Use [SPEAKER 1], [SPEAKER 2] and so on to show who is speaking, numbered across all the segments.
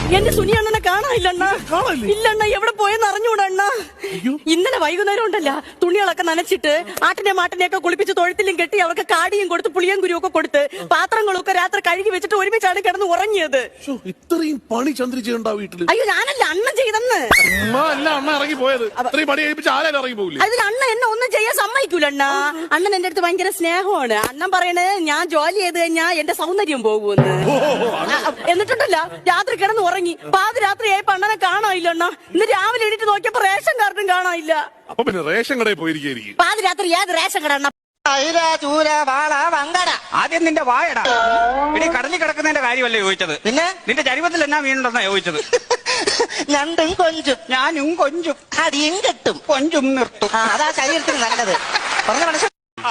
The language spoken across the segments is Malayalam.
[SPEAKER 1] എന്റെ സുനി അണ്ണനെ കാണാനില്ലണ്ണ. ഇല്ലണ്ണ, എവിടെ പോയെന്ന് അറിഞ്ഞൂടാ അണ്ണ. ഇന്നലെ വൈകുന്നേരം ഉണ്ടല്ല, തുണികളൊക്കെ നനച്ചിട്ട് ആട്ടിനെ മാട്ടിനെയൊക്കെ കുളിപ്പിച്ച് തൊഴുത്തിലും കെട്ടി അവർക്ക് കാടിയും കൊടുത്ത് പുളിയും കുരുവും ഒക്കെ കൊടുത്ത് പാത്രങ്ങളൊക്കെ രാത്രി കഴുകി വെച്ചിട്ട് ഒരുമിച്ചാണ് കിടന്ന് ഉറങ്ങിയത്.
[SPEAKER 2] ഇത്രയും പണി ചന്ദ്ര ചെയ്യണ്ട വീട്ടില്.
[SPEAKER 1] അയ്യോ, ഞാനല്ല, അണ്ണൻ ചെയ്തെന്ന്.
[SPEAKER 2] അമ്മ ഇറങ്ങി പോയത്. ഇത്രയും പണി കഴിപ്പിച്ച് ആരും ഇറങ്ങി പോകില്ല.
[SPEAKER 1] അതിന് അണ്ണൻ എന്നെ ഒന്നും ചെയ്യാൻ സമ്മതിക്കൂല അണ്ണ. അണ്ണൻ എന്റെ അടുത്ത് ഭയങ്കര സ്നേഹമാണ്. അണ്ണൻ പറയണേ ഞാൻ ജോലി ചെയ്ത് കഴിഞ്ഞാൽ എന്റെ സൗന്ദര്യം പോകുമെന്ന്. എന്നിട്ടുണ്ടല്ല, രാത്രി കിടന്ന് ഉറങ്ങി. പാതിരാത്രി ആയപ്പോ അണ്ണനെ കാണാനില്ല അണ്ണ. ഇന്ന് രാവിലെ എണീറ്റ് നോക്കിയപ്പോ റേഷൻ കാർഡും കാണാനില്ല.
[SPEAKER 2] അപ്പൊ പിന്നെ റേഷൻ കടയിൽ പോയിരിക്കും.
[SPEAKER 1] പാതിരാത്രി ഏത് റേഷൻ കട അണ്ണ?
[SPEAKER 3] ആദ്യം നിന്റെ വായടാ. ഇനി കടലിൽ കിടക്കുന്നതിന്റെ കാര്യമല്ലേ ചോദിച്ചത്?
[SPEAKER 4] പിന്നെ
[SPEAKER 3] നിന്റെ ചരിവത്തിൽ എന്നാ വീണുണ്ടെന്നാ ചോദിച്ചത്?
[SPEAKER 4] ഞണ്ടും കൊഞ്ചും.
[SPEAKER 3] ഞാനും കൊഞ്ചും
[SPEAKER 4] അടിയും കെട്ടും
[SPEAKER 3] കൊഞ്ചും നിർത്തും.
[SPEAKER 4] അതാ ശരീരത്തിന് നല്ലത്. പറഞ്ഞ മനസ്സിൽ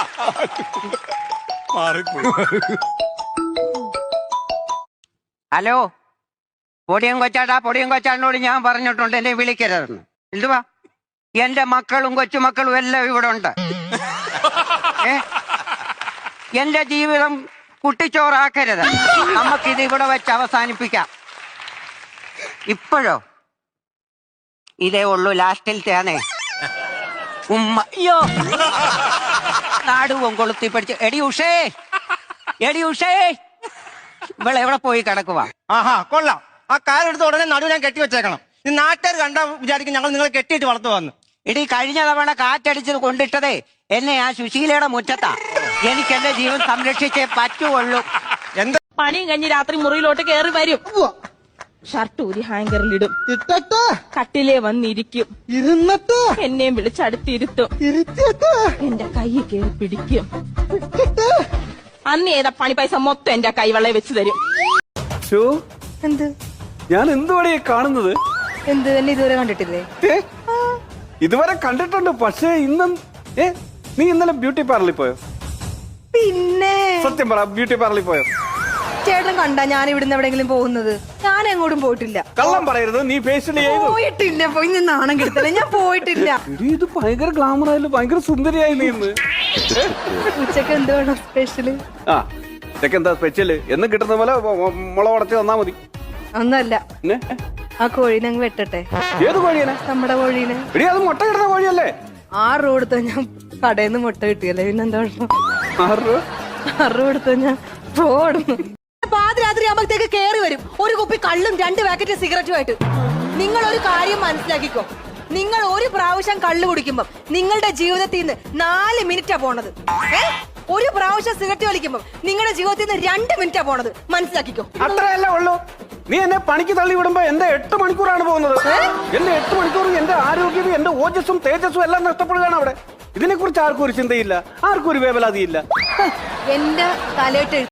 [SPEAKER 5] ഹലോ, പൊടിയും കൊച്ചാടിനോട് ഞാൻ പറഞ്ഞിട്ടുണ്ട് എന്നെ വിളിക്കരുതെന്ന്. എന്തുവാ? എന്റെ മക്കളും കൊച്ചുമക്കളും എല്ലാം ഇവിടെ ഉണ്ട്. എന്റെ ജീവിതം കുട്ടിച്ചോറാക്കരുത്. നമുക്കിത് ഇവിടെ വെച്ച് അവസാനിപ്പിക്കാം. ഇപ്പോഴോ? ഇതേ ഉള്ളൂ ലാസ്റ്റിലത്തെയാണേ. ഉമ്മ അയ്യോ, നാടുവും കൊളുത്തി പഠിച്ച്. എടി ഉഷേ ഇവിടെ എവിടെ പോയി കിടക്കുവാ?
[SPEAKER 4] ആഹാ, കൊള്ളാം. ആ കാലെടുത്ത് ഉടനെ നടു ഞാൻ കെട്ടി വെച്ചേക്കണം. ഈ നാട്ടുകാർ കണ്ടാ വിചാരിക്കും ഞങ്ങൾ നിങ്ങളെ കെട്ടിയിട്ട് വളർത്തു വന്നു.
[SPEAKER 5] ഇടി കഴിഞ്ഞ തവണ കാറ്റടിച്ചത് കൊണ്ടിട്ടതേ എന്നെ ആ സുശീലയുടെ മുറ്റത്താ. എനിക്ക് എന്റെ ജീവൻ സംരക്ഷിച്ചേ പറ്റുള്ളൂ.
[SPEAKER 4] എന്താ
[SPEAKER 1] പണിയും കഴിഞ്ഞ് രാത്രി മുറിയിലോട്ട് കയറി വരും. ഷർട്ട് ഊരി ഹാങ്കറിലിടും.
[SPEAKER 4] ഇട്ടിട്ട്
[SPEAKER 1] കട്ടിലേ വന്നിരിക്കും.
[SPEAKER 4] ഇരുന്നിട്ട്
[SPEAKER 1] എന്നെയും വിളിച്ചടുത്തിരുത്തും.
[SPEAKER 4] ഇരുത്തിയിട്ട്
[SPEAKER 1] എന്റെ കൈ കയറി പിടിക്കും. അന്ന് ഏതാ പണി പൈസ മൊത്തം എന്റെ കൈവെള്ളയെ വെച്ച് തരും.
[SPEAKER 6] എന്ത്
[SPEAKER 7] ഞാൻ എന്തുവാണ് ഈ കാണുന്നത്?
[SPEAKER 6] എന്ത് എന്നെ ഇതുവരെ കണ്ടിട്ടില്ലേ?
[SPEAKER 7] ഇതുവരെ കണ്ടിട്ടുണ്ട്, പക്ഷേ ഇന്നും നീ ഇന്നലെ ബ്യൂട്ടി പാർലറിൽ പോയോ?
[SPEAKER 6] പിന്നെ
[SPEAKER 7] സത്യം പറ, ബ്യൂട്ടി പാർലറിൽ പോയോ?
[SPEAKER 6] ചേട്ടൻ കണ്ടാ ഞാൻ ഇവിടുന്ന് എവിടെങ്കിലും പോകുന്നത്? ഞാൻ എങ്ങോട്ടും പോയിട്ടില്ല.
[SPEAKER 7] കള്ളം പറയരുത്, നീ ഫേഷ്യൽ ചെയ്തു.
[SPEAKER 6] പോയിട്ടില്ല. പോയി ഞാൻ നാണം കെടുത്തല്ലേ, ഞാൻ പോയിട്ടില്ല.
[SPEAKER 7] ഇത് ഭയങ്കര ഗ്ലാമർ ആയാലും ഭയങ്കര സുന്ദരിയായി നീ ഇന്ന്.
[SPEAKER 6] ഉച്ചക്ക് എന്ത് വേണം സ്പെഷ്യല്?
[SPEAKER 7] ആ, ഇതൊക്കെ എന്താ സ്പെഷ്യല്? എന്ന് കിട്ടുന്ന പോലെ മുള ഉടച്ച് തന്നാ മതി.
[SPEAKER 6] ഒന്നല്ല,
[SPEAKER 7] പിന്നെ
[SPEAKER 6] ആ കോഴീനെ അങ്ങ് വെട്ടട്ടെ.
[SPEAKER 7] ഏത് കോഴിയനെ?
[SPEAKER 6] നമ്മുടെ കോഴീനെ.
[SPEAKER 7] എടി, അത് മുട്ട കിട്ടുന്ന കോഴിയല്ലേ?
[SPEAKER 6] 6 രൂപ കൊടുത്താ ഞാൻ കടയിൽ നിന്ന് മുട്ട കിട്ടിയല്ലേ, പിന്നെന്താ കുഴപ്പം?
[SPEAKER 7] 6 രൂപ?
[SPEAKER 6] 6 രൂപ കൊടുത്താ ഞാൻ പോടുന്നു. പാതിരാത്രി ആകുമ്പോഴത്തേക്ക് കേറി വരും ഒരു കുപ്പി കള്ളും 2 പാക്കറ്റ് സിഗരറ്റുമായിട്ട്. നിങ്ങൾ ഒരു കാര്യം മനസ്സിലാക്കിക്കോ, നിങ്ങൾ ഒരു പ്രാവശ്യം കള്ളു കുടിക്കുമ്പോ നിങ്ങളുടെ ജീവിതത്തിൽ നിന്ന് 4 മിനിറ്റാ പോണത്. ഒരു പ്രാവശ്യം സിഗരറ്റ് വലിക്കുമ്പോ നിങ്ങളുടെ ജീവിതത്തിൽ നിന്ന് 2 മിനിറ്റാ പോണത്. മനസ്സിലാക്കിക്കോ.
[SPEAKER 7] അത്രയല്ല ഉള്ളൂ. നീ എന്നെ പണിക്ക് തള്ളി വിടുമ്പോ എന്റെ 8 മണിക്കൂറാണ് പോകുന്നത്. എന്റെ 8 മണിക്കൂർ എന്റെ ആരോഗ്യവും എന്റെ ഓജസ്സും തേജസ്സും എല്ലാം നഷ്ടപ്പെടുകയാണ് അവിടെ. ഇതിനെ കുറിച്ച് ആർക്കും ഒരു ചിന്തയില്ല, ആർക്കും ഒരു വേവലാതിയില്ല.
[SPEAKER 6] എന്റെ തലയിട്ട്